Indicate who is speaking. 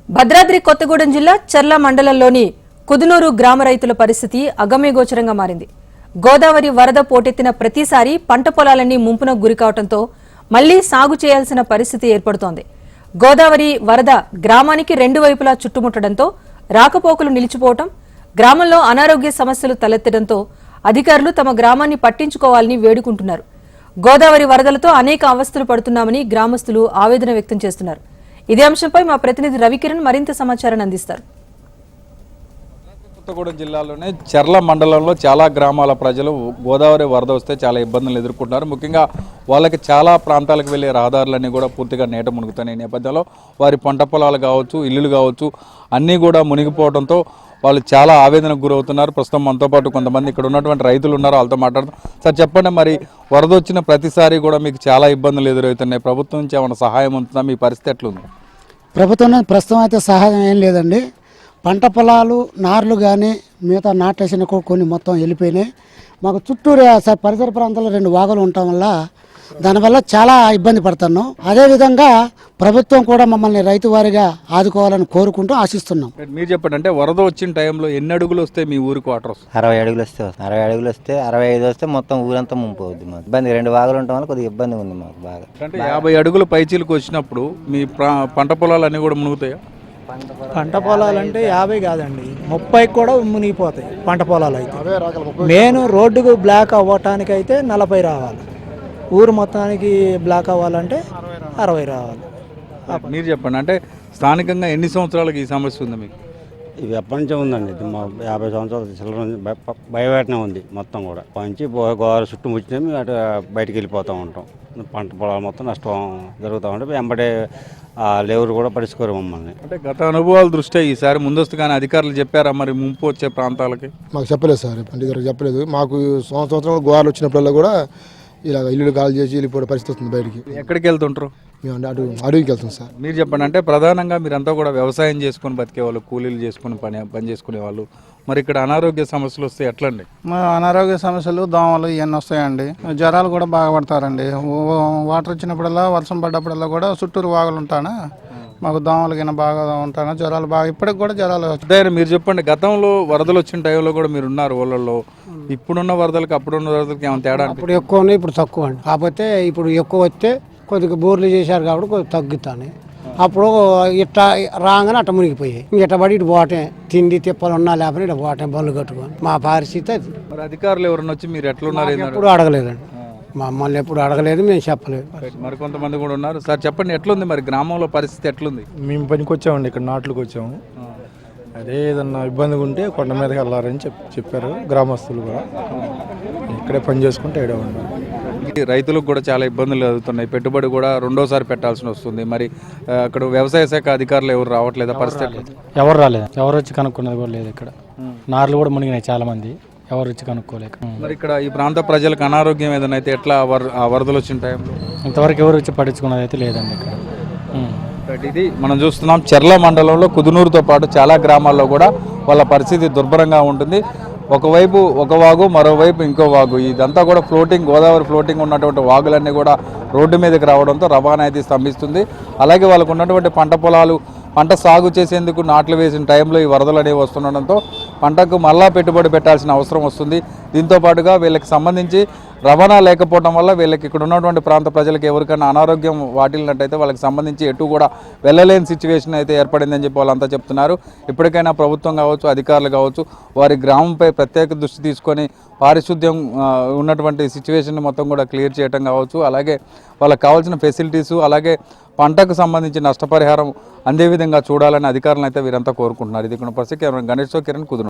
Speaker 1: భద్రాద్రి కొత్తగూడెం జిల్లా చర్ల మండలంలోని కుదునూరు గ్రామ రైతుల పరిస్థితి అగమ్యగోచరంగా మారింది. గోదావరి వరద పోటెత్తిన ప్రతిసారి పంట పొలాలన్నీ ముంపునకు గురికావడంతో మళ్లీ సాగు చేయాల్సిన పరిస్థితి ఏర్పడుతోంది. గోదావరి వరద గ్రామానికి రెండు వైపులా చుట్టుముట్టడంతో రాకపోకలు నిలిచిపోవడం, గ్రామంలో అనారోగ్య సమస్యలు తలెత్తడంతో అధికారులు తమ గ్రామాన్ని పట్టించుకోవాలని వేడుకుంటున్నారు. గోదావరి వరదలతో అనేక అవస్థలు పడుతున్నామని గ్రామస్తులు ఆవేదన వ్యక్తం చేస్తున్నారు. ఇదే అంశంపై మా ప్రతినిధి రవికిరణ్ మరింత సమాచారాన్ని అందిస్తారు.
Speaker 2: కొత్తగూడెం జిల్లాలోనే చర్ల మండలంలో చాలా గ్రామాల ప్రజలు గోదావరి వరద వస్తే చాలా ఇబ్బందులు ఎదుర్కొంటున్నారు. ముఖ్యంగా వాళ్ళకి చాలా ప్రాంతాలకు వెళ్ళే రహదారులన్నీ కూడా పూర్తిగా నీట మునుగుతున్నాయి. ఈ నేపథ్యంలో వారి పంట పొలాలు కావచ్చు, ఇల్లులు కావచ్చు అన్నీ కూడా మునిగిపోవడంతో వాళ్ళు చాలా ఆవేదనకు గురవుతున్నారు. ప్రస్తుతం మనతో పాటు కొంతమంది ఇక్కడ ఉన్నటువంటి రైతులు ఉన్నారు, వాళ్ళతో మాట్లాడుతాం. సార్ చెప్పండి, మరి వరద వచ్చిన ప్రతిసారి కూడా మీకు చాలా ఇబ్బందులు ఎదురవుతున్నాయి. ప్రభుత్వం నుంచి ఏమైనా సహాయం ఉంటుందా? మీ పరిస్థితి ఎట్లుంది?
Speaker 3: ప్రభుత్వం ప్రస్తుతం అయితే సహాయం ఏం లేదండి. పంట పొలాలు నార్లు కానీ మిగతా నాటేసిన కొన్ని మొత్తం వెళ్ళిపోయినాయి. మాకు చుట్టూరు పరిసర ప్రాంతాల్లో రెండు వాగులు ఉండటం వల్ల దానివల్ల చాలా ఇబ్బంది పడుతున్నాం. అదేవిధంగా ప్రభుత్వం కూడా మమ్మల్ని రైతు వారిగా ఆదుకోవాలని కోరుకుంటూ ఆశిస్తున్నాం.
Speaker 2: మీరు చెప్పండి, అంటే వరద వచ్చిన టైంలో ఎన్ని అడుగులు వస్తే మీ ఊరికి వాటర్ వస్తుంది?
Speaker 4: 60 అడుగులు వస్తే 60 అడుగులు వస్తే 65 వస్తే మొత్తం ఊరంతా ముంపవుద్ది. మాకు ఇబ్బంది, రెండు వాగులు ఉండటం వల్ల కొద్దిగా ఇబ్బంది ఉంది మాకు బాగా.
Speaker 2: అంటే 50 అడుగులు పైచీలకు వచ్చినప్పుడు మీ పంట పొలాలన్నీ కూడా మునుగుతాయా?
Speaker 5: పంట పొలాలు అంటే 50 కాదండి, 30 కూడా మునిగిపోతాయి పంట పొలాలు అయితే. మెయిన్ రోడ్డుకు బ్లాక్ అవ్వటానికి అయితే 40 రావాలి, ఊరు మొత్తానికి బ్లాక్ అవ్వాలంటే 60 రావాలి.
Speaker 2: మీరు చెప్పండి, అంటే స్థానికంగా ఎన్ని సంవత్సరాలకు ఈ సమస్య ఉంది మీకు?
Speaker 6: ఇది ఎప్పటి నుంచే ఉందండి. ఇది మా 50 సంవత్సరాల చిల్లర బయటనే ఉంది మొత్తం కూడా. పంచి గోదావరి చుట్టూ ముచ్చినా మేము అటు బయటికి వెళ్ళిపోతూ ఉంటాం. పంట పొలాలు మొత్తం నష్టం జరుగుతూ ఉంటే వెంబడే లేవురు కూడా పడుచుకోరు మమ్మల్ని.
Speaker 2: అంటే గత అనుభవాల దృష్ట్యా ఈసారి ముందస్తుగానే అధికారులు చెప్పారా మరి ముంపు వచ్చే ప్రాంతాలకి?
Speaker 7: మాకు చెప్పలేదు సార్, పండితులకు చెప్పలేదు. మాకు సంవత్సరం గోదావరి వచ్చినప్పుడల్లా కూడా ఇలా ఇల్లు కాల్ చేసి వెళ్ళిపోయే పరిస్థితి వస్తుంది బయటికి.
Speaker 2: ఎక్కడికి వెళ్తుంటారు?
Speaker 7: మేము అడవికి వెళ్తాం సార్.
Speaker 2: మీరు చెప్పండి, అంటే ప్రధానంగా మీరంతా కూడా వ్యవసాయం చేసుకొని బతికేవాళ్ళు, కూలీలు చేసుకొని పని చేసుకునే వాళ్ళు. మరి ఇక్కడ అనారోగ్య సమస్యలు వస్తే ఎట్లండి?
Speaker 5: మా అనారోగ్య సమస్యలు, దోమలు ఇవన్నీ వస్తాయండి. జ్వరాలు కూడా బాగా పడతారండి. వాటర్ వచ్చినప్పుడల్లా, వర్షం పడ్డప్పుడల్లా కూడా చుట్టూరు వాగులు ఉంటానా, మాకు దోమలు కింద బాగా ఉంటాను, జ్వరాలు బాగా ఇప్పటికి కూడా జ్వరాలు వస్తాయి.
Speaker 2: మీరు చెప్పండి, గతంలో వరదలు వచ్చిన టైంలో కూడా మీరు ఉన్నారు ఊళ్ళల్లో. ఇప్పుడున్న వరదలకు అప్పుడున్న వరదలకి ఏమైనా తేడా?
Speaker 3: ఇప్పుడు ఎక్కువ ఉన్నాయి, ఇప్పుడు తక్కువ అండి. కాకపోతే ఇప్పుడు ఎక్కువ వస్తే కొద్దిగా బోర్లు చేశారు కాబట్టి కొద్దిగా తగ్గుతాను. అప్పుడు ఇట్లా రాగానే అట్ట మునిగిపోయాయి. ఇట్ట పడి ఇటు పోవటం, తిండి తిప్పలు ఉన్నా లేకపోతే ఇటు పోవటం బళ్ళు కట్టుకొని. మా పరిస్థితి అది.
Speaker 2: మరి అధికారులు ఎవరన్నా వచ్చి మీరు ఎట్లున్నారు?
Speaker 3: ఎప్పుడు అడగలేదండి, మమ్మల్ని ఎప్పుడు అడగలేదు, మేము చెప్పలేదు.
Speaker 2: మరి కొంతమంది కూడా ఉన్నారు. సార్ చెప్పండి, ఎట్లుంది మరి గ్రామంలో పరిస్థితి ఎట్లుంది?
Speaker 8: మేము పనికి వచ్చామండి, ఇక్కడ నాట్లకు వచ్చాము. అదే ఏదన్నా ఇబ్బందిగా ఉంటే కొండ మీదకి వెళ్ళారని చెప్పారు గ్రామస్తులు కూడా. ఇక్కడే పని చేసుకుంటే ఏడే ఉన్నారు.
Speaker 2: రైతులకు కూడా చాలా ఇబ్బందులు ఎదుగుతున్నాయి. పెట్టుబడి కూడా రెండోసారి పెట్టాల్సి వస్తుంది. మరి అక్కడ వ్యవసాయ శాఖ అధికారులు ఎవరు రావట్లేదా? పరిస్థితి
Speaker 9: ఎవరు రాలేదు, ఎవరు వచ్చి కనుక్కున్నది కూడా లేదు. ఇక్కడ నార్లు కూడా మునిగినాయి చాలా మంది, ఎవరు వచ్చి కనుక్కోలేక.
Speaker 2: మరి ఇక్కడ ఈ ప్రాంత ప్రజలకు అనారోగ్యం ఏదైనా అయితే ఎట్లా ఆ వరదలు వచ్చిన టైంలో?
Speaker 9: ఇంతవరకు ఎవరు వచ్చి పట్టించుకున్నది అయితే లేదండి ఇక్కడ.
Speaker 2: ఇది మనం చూస్తున్నాం, చర్ల మండలంలో కుదునూరుతో పాటు చాలా గ్రామాల్లో కూడా వాళ్ళ పరిస్థితి దుర్భరంగా ఉంటుంది. ఒకవైపు ఒక వాగు, మరోవైపు ఇంకో వాగు. ఇదంతా కూడా గోదావరి ఫ్లోటింగ్ ఉన్నటువంటి వాగులన్నీ కూడా రోడ్డు మీదకి రావడంతో రవాణా అయితే స్తంభిస్తుంది. అలాగే వాళ్ళకు ఉన్నటువంటి పంట పొలాలు, పంట సాగు చేసేందుకు నాట్లు వేసిన టైంలో ఈ వరదలు అనేవి వస్తుండడంతో పంటకు మళ్ళా పెట్టుబడి పెట్టాల్సిన అవసరం వస్తుంది. దీంతో పాటుగా వీళ్ళకి సంబంధించి రవాణా లేకపోవడం వల్ల వీళ్ళకి ఇక్కడ ఉన్నటువంటి ప్రాంత ప్రజలకు ఎవరికైనా అనారోగ్యం వాటిల్లినట్టయితే వాళ్ళకి సంబంధించి ఎటు కూడా వెళ్ళలేని సిచ్యువేషన్ అయితే ఏర్పడిందని చెప్పి వాళ్ళంతా చెప్తున్నారు. ఇప్పటికైనా ప్రభుత్వం కావచ్చు, అధికారులు కావచ్చు, వారి గ్రామంపై ప్రత్యేక దృష్టి తీసుకొని పారిశుద్ధ్యం ఉన్నటువంటి సిచ్యువేషన్ మొత్తం కూడా క్లియర్ చేయడం కావచ్చు, అలాగే వాళ్ళకి కావాల్సిన ఫెసిలిటీసు, అలాగే పంటకు సంబంధించి నష్టపరిహారం అందే విధంగా చూడాలని అధికారులను అయితే వీరంతా కోరుకుంటున్నారు. ఇది పరిస్థితి. గణేష్ కిరణ్ కుదురు.